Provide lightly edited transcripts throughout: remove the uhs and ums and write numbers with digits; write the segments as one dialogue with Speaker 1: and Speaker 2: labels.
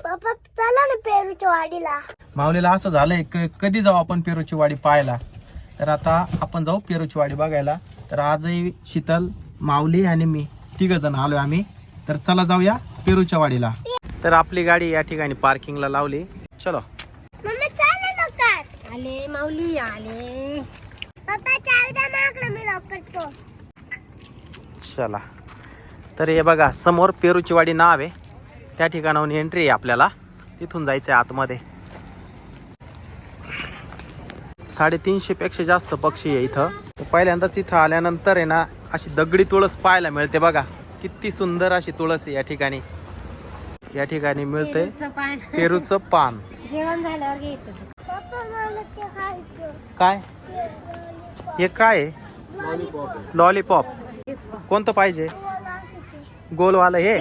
Speaker 1: पप्पा चला ना पेरूच्या वाडीला.
Speaker 2: माऊलीला असं झालंय कधी जाऊ आपण पेरूची वाडी पाहायला. तर आता आपण जाऊ पेरूची वाडी बघायला. तर आजही शीतल, माऊली आणि मी तिघ जण आलोय आम्ही. तर चला जाऊया पेरूच्या वाडीला. तर आपली गाडी या ठिकाणी पार्किंगला लावली. चलो
Speaker 1: मम्मी चला लवकर. आले माऊली आले. पप्पा चावी द्या माकडं, मी लवकर तो.
Speaker 2: चला. तर हे बघा समोर पेरूची वाडी नाव आहे. त्या ठिकाणाहून एंट्री आहे आपल्याला. तिथून जायचं आहे आतमध्ये. 350 पेक्षा जास्त पक्षी आहे इथं. तर पहिल्यांदाच इथं आल्यानंतर आहे ना अशी दगडी तुळस पाहायला मिळते बघा. किती सुंदर अशी तुळस आहे या ठिकाणी. या ठिकाणी मिळते पेरूचं पान.
Speaker 1: जेवण झाल्यावर घ्यायचं. पप्पा मला ते खायचं.
Speaker 2: काय हे काय आहे? लॉलीपॉप. कोणतं पाहिजे? गोलवालं हे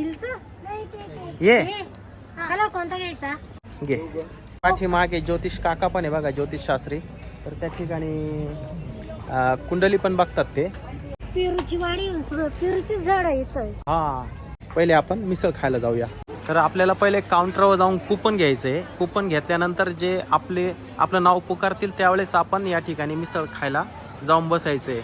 Speaker 2: ये
Speaker 1: कलर कोणता घ्यायचा?
Speaker 2: घे. पाठीमागे ज्योतिष काका पण आहे बघा, ज्योतिष शास्त्री. तर त्या ठिकाणी कुंडली पण बघतात ते.
Speaker 1: पेरूची वाडी पेरूची झाड येतोय.
Speaker 2: हा पहिले आपण मिसळ खायला जाऊया. तर आपल्याला पहिले काउंटरवर जाऊन कुपन घ्यायचंय. कुपन घेतल्यानंतर जे आपलं नाव पुकारतील त्यावेळेस आपण या ठिकाणी मिसळ खायला जाऊन बसायचंय.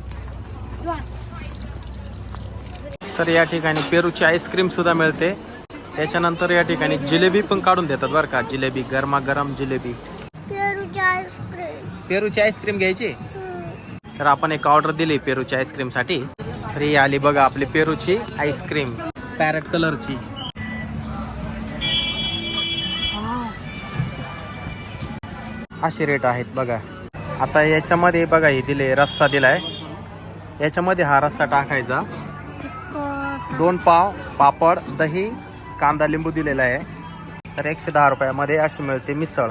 Speaker 2: तर या ठिकाणी पेरूची आईस्क्रीम सुद्धा मिळते. त्याच्यानंतर या ठिकाणी जिलेबी पण काढून देतात बरं का. जिलेबी गरमागरम जिलेबी. पेरूची आईस्क्रीम घ्यायची. तर आपण एक ऑर्डर दिली पेरूची आईस्क्रीम साठी. तर ही आली बघा आपली पेरूची आईस्क्रीम पॅरेट कलरची. असे रेट आहेत बघा. आता याच्यामध्ये बघा हे दिले रस्सा दिलाय. याच्यामध्ये हा रस्सा टाकायचा. 2 पाव, पापड, दही, कांदा, लिंबू दिलेला आहे. तर 110 रुपयामध्ये अशी मिळते मिसळ.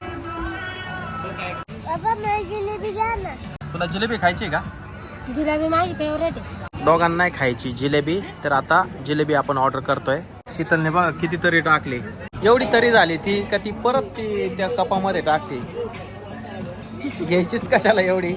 Speaker 2: तुला जिलेबी खायची का?
Speaker 1: जिलेबी माझी फेवरेट आहे.
Speaker 2: दोघांना नाही खायची जिलेबी. तर आता जिलेबी आपण ऑर्डर करतोय. शीतलने बघा कितीतरी टाकली. एवढी तरी झाली ती का ती परत ती त्या कपामध्ये टाकते. घ्यायचीच कशाला एवढी.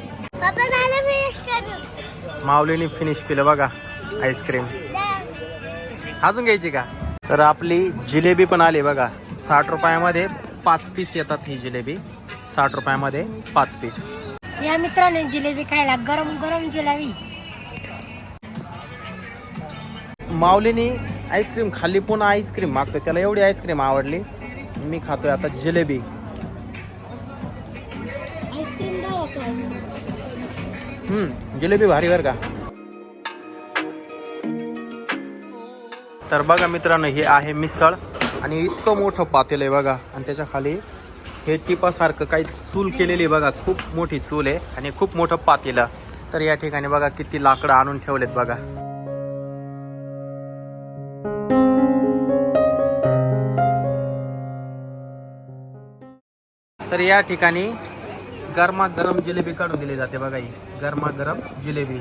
Speaker 2: माऊलीने फिनिश केलं बघा आईस्क्रीम. अजून घ्यायची का? तर आपली जिलेबी पण आली बघा. 60 रुपयामध्ये 5 पीस येतात. ही जिलेबी 60 रुपयामध्ये 5 पीस.
Speaker 1: या मित्राने जिलेबी खायला गरम गरम जिलेबी.
Speaker 2: माऊलीने आईस्क्रीम खाल्ली पुन्हा आईस्क्रीम मागतोय. त्याला एवढी आईस्क्रीम आवडली. मी खातोय आता जिलेबी. जिलेबी भारी बर का. तर बघा मित्रांनो हे आहे मिसळ. आणि इतकं मोठं पातेल आहे बघा. आणि त्याच्या खाली हे टिपासारखं काही चूल केलेली बघा. खूप मोठी चूल आहे आणि खूप मोठं पातेलं. तर या ठिकाणी बघा किती लाकडं आणून ठेवलेत बघा. तर या ठिकाणी गरमागरम जिलेबी काढून दिली जाते बघा. ही गरमागरम जिलेबी.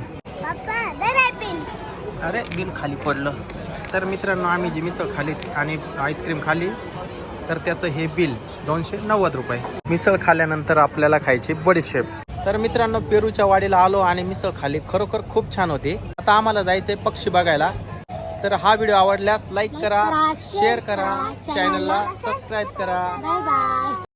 Speaker 2: अरे बिल खाली पडलं. तर मित्रांनो आम्ही जी मिसळ खाली आणि आईस्क्रीम खाली तर त्याचं हे बिल 290 रुपये. मिसळ खाल्ल्यानंतर आपल्याला खायची बडीशेप. तर मित्रांनो पेरूच्या वाडीला आलो आणि मिसळ खाली. खरोखर खूप छान होती. आता आम्हाला जायचंय पक्षी बघायला. तर हा व्हिडिओ आवडल्यास लाईक करा, शेअर करा, चॅनलला सबस्क्राईब करा.
Speaker 1: Bye bye.